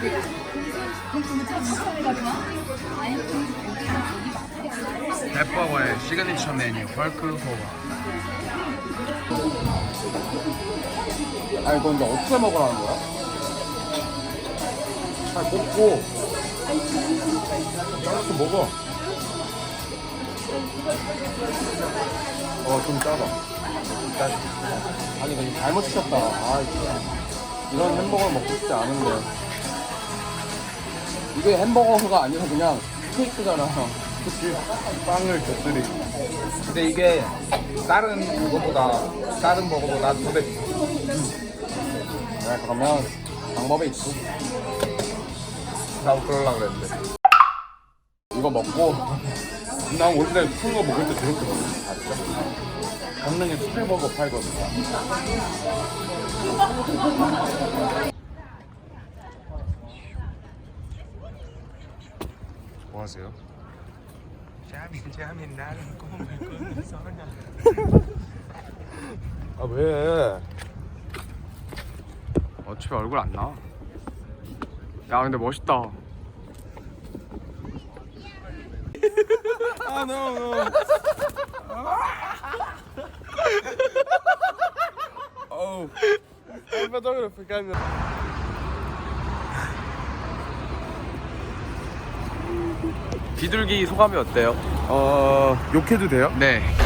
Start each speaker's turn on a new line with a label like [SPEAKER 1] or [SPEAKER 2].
[SPEAKER 1] 햇버거의 시그니처 메뉴 펄크호바.
[SPEAKER 2] 아니, 너 근데 어떻게 먹으라는 거야? 잘 볶고 잘라서 먹어. 좀 짜다. 아니, 근데 잘못 시켰다. 이런 햄버거를 먹고 싶지 않은데. 이게 햄버거가 아니라 그냥 스테이크잖아. 그치? 빵을 곁들이.
[SPEAKER 1] 근데 이게 다른 버거보다 더 맵.
[SPEAKER 2] 그러면 방법이 있지.
[SPEAKER 1] 나도 그러려고 그랬는데.
[SPEAKER 2] 이거 먹고 난 원래 큰 거 먹을 때 저렇게 먹어. 아, 진짜? 강릉에 스테버거 팔거든.
[SPEAKER 1] 뭐 하세요? 자민 나는 꿈을 꾸는 소녀.
[SPEAKER 2] 아, 왜?
[SPEAKER 1] 어차피 얼굴 안 나와. 야 근데 멋있다.
[SPEAKER 2] 아, no. Oh. fotograficar meu.
[SPEAKER 1] 비둘기 소감이 어때요?
[SPEAKER 2] 욕해도 돼요?
[SPEAKER 1] 네.